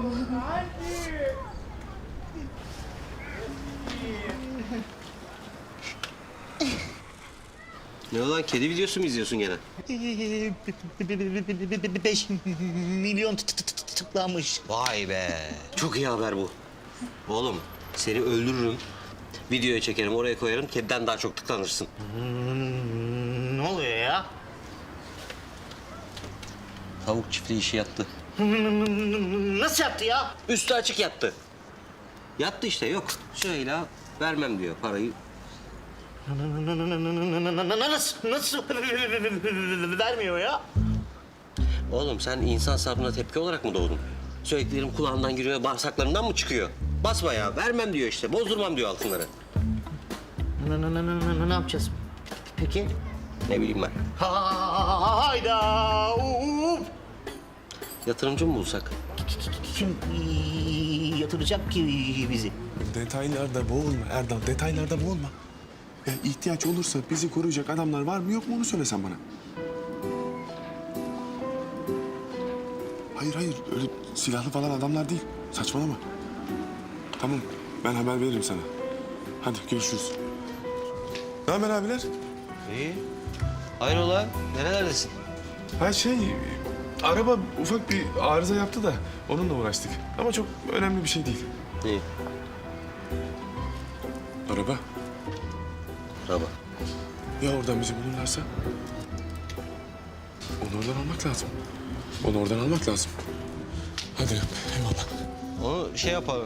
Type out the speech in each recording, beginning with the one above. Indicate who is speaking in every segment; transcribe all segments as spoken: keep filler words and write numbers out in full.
Speaker 1: Ne olan kedi videosu mu izliyorsun gene?
Speaker 2: Beş milyon tıklanmış.
Speaker 1: Vay be. Çok iyi haber bu. Oğlum seni öldürürüm. Videoya çekerim, oraya koyarım. Kediden daha çok tıklanırsın.
Speaker 2: Ne oluyor ya?
Speaker 1: Tavuk çiftliği işi yattı.
Speaker 2: Nasıl yaptı ya?
Speaker 1: Üstü açık yattı. Yattı işte, yok. Süheyla vermem diyor parayı.
Speaker 2: Nasıl, nasıl vermiyor ya?
Speaker 1: Oğlum sen insan sabrına tepki olarak mı doğdun? Söylediklerim kulağından giriyor, bağırsaklarından mı çıkıyor? Basma ya, vermem diyor işte. Bozdurmam diyor altınları.
Speaker 2: Ne yapacağız peki?
Speaker 1: Ne bileyim ben.
Speaker 2: Hayda!
Speaker 1: Yatırımcı mı bulsak?
Speaker 2: Kim yatıracak ki bizi?
Speaker 3: Detaylarda boğulma Erdal, detaylarda boğulma. Ya ihtiyaç olursa bizi koruyacak adamlar var mı yok mu onu söylesen bana. Hayır hayır, öyle silahlı falan adamlar değil. Saçmalama. Tamam, ben haber veririm sana. Hadi görüşürüz. Ne haber abiler?
Speaker 1: İyi. Hayrola, nerelerdesin?
Speaker 3: Ha şey, araba ufak bir arıza yaptı da onunla uğraştık. Ama çok önemli bir şey değil.
Speaker 1: İyi.
Speaker 3: Araba.
Speaker 1: Araba.
Speaker 3: Ya oradan bizi bulurlarsa? Onu oradan almak lazım. Onu oradan almak lazım. Hadi eyvallah.
Speaker 1: Onu şey yapalım.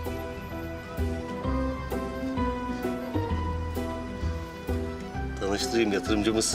Speaker 1: Tanıştırayım, yatırımcımız.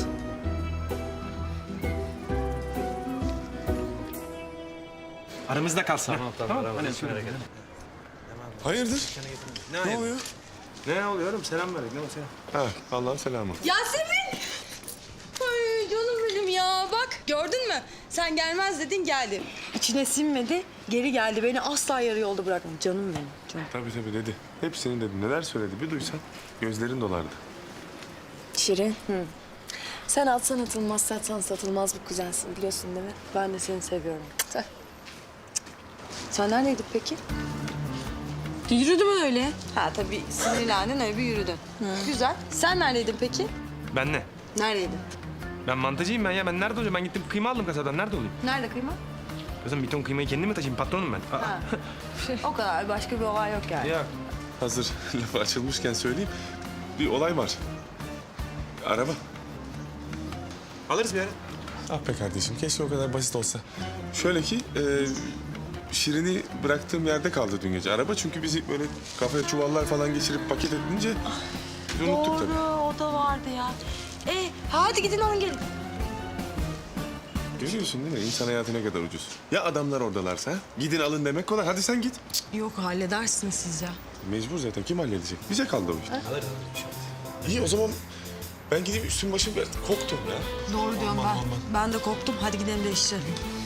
Speaker 4: Aramızda kalsın. Tamam tamam. tamam. Hani
Speaker 3: Hayırdır?
Speaker 4: Ne,
Speaker 3: Ne oluyor?
Speaker 4: Ne oluyor oğlum? Selam verdik. Ne o selam?
Speaker 3: Ha, Allah'ın selamı.
Speaker 5: Yasemin! Ay canım benim ya. Bak gördün mü? Sen gelmez dedin geldi. İçine sinmedi, geri geldi. Beni asla yarı yolda bırakmadı. Canım benim, canım.
Speaker 3: Tabii tabii dedi. Hepsini dedi. Neler söyledi bir duysan gözlerin dolardı.
Speaker 5: Şirin. Hı. Sen atsan atılmaz, satsan satılmaz bir kuzensin biliyorsun değil mi? Ben de seni seviyorum. Sen, Sen neredeydin peki? Yürüdüm öyle. Ha tabii sinirlendin öyle bir yürüdün. Güzel. Sen neredeydin peki?
Speaker 4: Ben ne?
Speaker 5: Neredeydin?
Speaker 4: Ben mantıcıyım ben ya. Ben nerede olacağım? Ben gittim kıyma aldım kasadan. Nerede olayım?
Speaker 5: Nerede kıyma?
Speaker 4: Kızım bir ton kıymayı kendim mi taşıyayım? Patronum ben. Aa.
Speaker 5: Ha. O kadar. Başka bir olay yok yani.
Speaker 4: Ya
Speaker 3: Hazır lafı açılmışken söyleyeyim. Bir olay var. Araba.
Speaker 4: alırız bir yere.
Speaker 3: Ah be kardeşim keşke o kadar basit olsa. Şöyle ki e, Şirin'i bıraktığım yerde kaldı dün gece araba. Çünkü bizi böyle kafaya çuvallar falan geçirip paket edince biz unuttuk tabii.
Speaker 5: Doğru, o da vardı ya. E, hadi gidin alın gelin.
Speaker 3: Görüyorsun değil mi? İnsan hayatı ne kadar ucuz. Ya adamlar oradalarsa? Gidin alın demek kolay. Hadi sen git.
Speaker 5: Yok, halledersiniz siz ya.
Speaker 3: Mecbur zaten. Kim halledecek? Bize kaldı o iş. İyi o zaman ben gideyim üstüm başım bir koktum ya.
Speaker 5: Doğru diyorum ben. Ben de korktum. Hadi gidelim değiştirelim.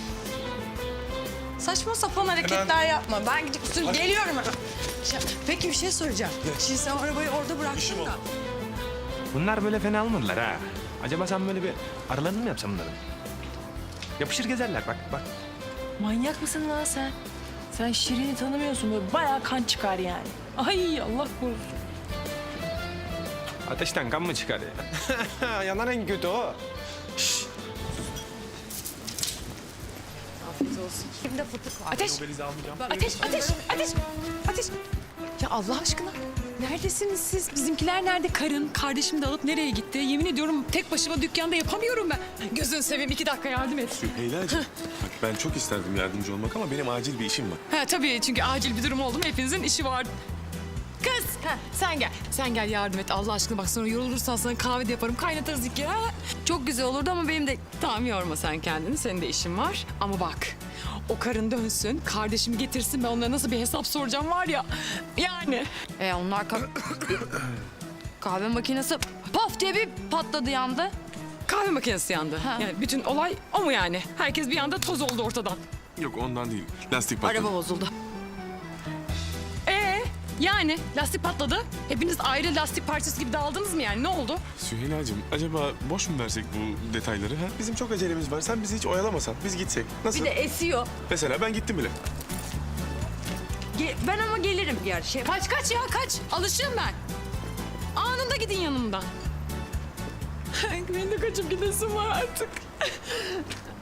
Speaker 5: Saçma sapan hareketler yapma. Ben gidip üstüne geliyorum hemen. Ya, peki bir şey soracağım. Şimdi sen arabayı orada bıraktın da.
Speaker 4: Bunlar böyle fena almadılar ha. Acaba sen böyle bir aralarını mı yapsam bunların? Yapışır gezerler bak bak.
Speaker 6: Manyak mısın lan sen? Sen Şirin'i tanımıyorsun böyle bayağı kan çıkar yani. Ay Allah korusun.
Speaker 4: Ateşten kan mı çıkar ya? Yanan en kötü o.
Speaker 5: Afiyet olsun. Şimdi fıtık var.
Speaker 6: Ateş! Ateş, ateş, ateş, ateş! Ya Allah aşkına neredesiniz siz? Bizimkiler nerede? Karın, kardeşimi de alıp nereye gitti? Yemin ediyorum tek başıma dükkanda yapamıyorum ben. Gözünü seveyim iki dakika yardım et.
Speaker 3: Süheyla'cığım bak ben çok isterdim yardımcı olmak ama benim acil bir işim var.
Speaker 6: Ha tabii çünkü acil bir durum oldu mu hepinizin işi var. Kız ha, sen gel. Sen gel yardım et Allah aşkına. Bak sonra yorulursan sana kahve de yaparım. Kaynatarız iki kere. Ha? Çok güzel olurdu ama benim de... Tamam yorma sen kendini. Senin de işin var. Ama bak o karın dönsün. Kardeşimi getirsin. Ben onlara nasıl bir hesap soracağım var ya. Yani.
Speaker 5: E onlar kah- kahve makinesi paf diye bir patladı yandı.
Speaker 6: Kahve makinesi yandı.
Speaker 5: Ha.
Speaker 6: Yani bütün olay o mu yani? Herkes bir anda toz oldu ortadan.
Speaker 3: Yok ondan değil. Lastik patladı.
Speaker 5: Araba bozuldu.
Speaker 6: Ee, yani lastik patladı. Hepiniz ayrı lastik parçası gibi dağıldınız mı yani? Ne oldu?
Speaker 3: Süheyla'cığım acaba boş mu versek bu detayları? Ha? Bizim çok acelemiz var. Sen bizi hiç oyalamasan biz gitsek. Nasıl?
Speaker 5: Bir de esiyor.
Speaker 3: Mesela ben gittim bile.
Speaker 5: Ge- ben ama gelirim yani şey.
Speaker 6: Kaç kaç ya kaç. Alışığım ben. Anında gidin yanımdan. Benim de kaçıp gidesim var artık.